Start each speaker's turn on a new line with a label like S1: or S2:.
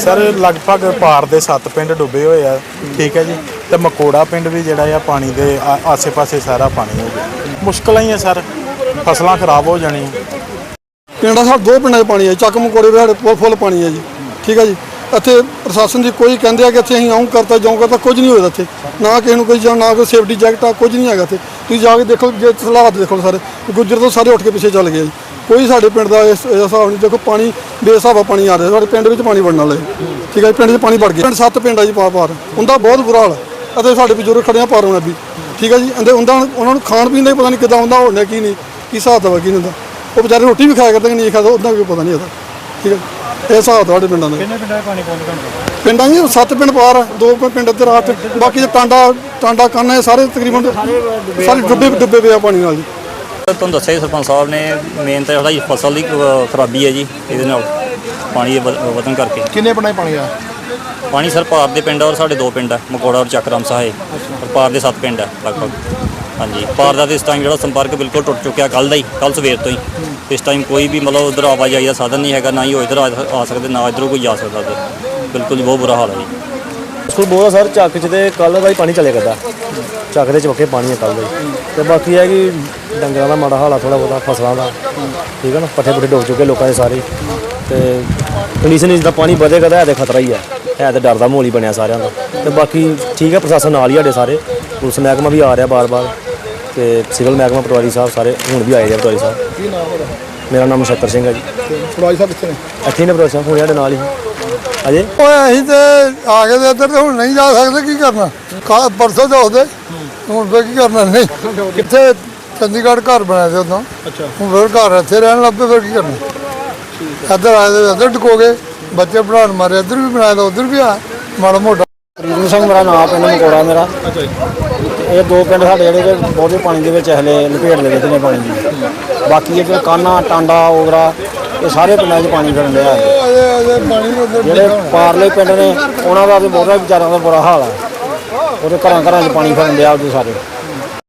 S1: Sir लगभग पार दे 7 पिंड डुबे हुए हैं, ठीक है जी। तो मकोड़ा पिंड भी जिहड़ा आ पानी दे आसे पासे सारा पानी हो गया। मुश्किल ही है सर, फसलां खराब हो जानी।
S2: पिंड साढ़े 2 पिंडों पानी है, चक मकोड़े भी साढ़े फुल पानी है जी, ठीक है जी। इत्थे प्रशासन की कोई कहते हैं कि इत्थे आऊँ करता जाऊँ करता, कुछ नहीं होता इत्थे, ना किसी को कोई ना कोई सेफ्टी जैकट आ, कुछ नहीं है इत्थे। तुसीं जाके देखो, जे हालात देखो सारे गुज्जर तो सारे उठ के पिछे चल गए जी। कोई साढ़े पिंड का इस हिसाब नहीं, देखो पानी बेहिसाबा पानी आ रहा साढ़े पिंड में पानी बढ़ने वाले, ठीक है। पिंड में पानी बढ़ गया, पिंड 7 पिंड है जी पार उनका बहुत बुरा हाल है। साढ़े बजुर्ग खड़े पार होना भी, ठीक है जी। उन्होंने खाण पीन का पता नहीं कितना होंगे, होना की नहीं, की हिसाब किताब की नहीं, वो बेचारे रोटी भी खाया करते कि नहीं खाते, उतना कोई पता नहीं होता, ठीक है। ये हिसाब साढ़े पिंडों का पिंडा जी 7 पिंड पार है, 2 पिंड इधर 8, बाकी टांडा काना सारे तकरीबन सारे डुबे पे पानी नाल जी।
S3: तुहानूं दस्सिआ सरपंच साहब ने मेन तो साडी फसल की खराबी है जी, ये पानी वधन करके।
S4: किन्ने पिंडां पानी आ?
S3: पानी सर पार दे पिंड और साढ़े 2 पिंड है, मकोड़ा और चकराम साहे, और पार दे 7 पिंड है लगभग। हाँ जी, पार का इस टाइम जो संपर्क बिल्कुल टुट चुका, कल सवेर तो ही। इस टाइम कोई भी मतलब उधर आवाजाही का साधन नहीं है, ना ही वो इधर आ सकते, ना इधरों कोई जा सकता उधर। बिल्कुल बहुत बुरा हाल है जी।
S5: स्कूल बहुत सर चक च कल का ही पानी चले करता, चक के चौके पानी है कल का। तो बाकी है कि डंगर का माड़ा हाल है थोड़ा बहुत, फसलों का, ठीक है ना। पट्ठे पुट्ठे डुब चुके लोगों के सारे। तो कंडीशन जिदा पानी बधेगा तो खतरा ही है तो डर का माहौल ही बनया सारे का। तो बाकी ठीक है, प्रशासन नाल ही साढ़े, पुलिस महकमा भी आ रहा बार बार, तो सिविल महकमा पटवारी साहब सारे हूँ भी आए हैं। पटवारी साहब मेरा नाम नक्षत्र सिंह है जी।
S4: पटवारी साहब कितने
S5: इतने ने पटवारी साहब हूँ साढ़े नाल ही अजे
S2: असीं तो आ गए इधर, तो हुण नहीं जा सकते, की करना। परसों तो होते हुण फिर की करना, नहीं कितने चंडीगढ़ घर बनाए थे उदों, हुण फिर घर इत्थे रहन लग पे, फिर की करना। इधर आए थे इधर डुको गए, बच्चे पढ़ाने मारे इधर भी बनाया, उधर भी आ माड़ा मोटा।
S5: प्रीतम सिंह मेरा नाम, पिंड मकोड़ा मेरा। ये 2 पिंड साढ़े जोड़े बहुत पानी के हले लपेट लगे ने पानी की। बाकी ये काना टांडा ओगरा ये सारे पिंडों पानी फिरन दिया है। जोड़े पारले पिंड ने उन्होंने का तो बहुत बेचारों का बुरा हाल है, वो घर घर पानी फिरन दिया सारे।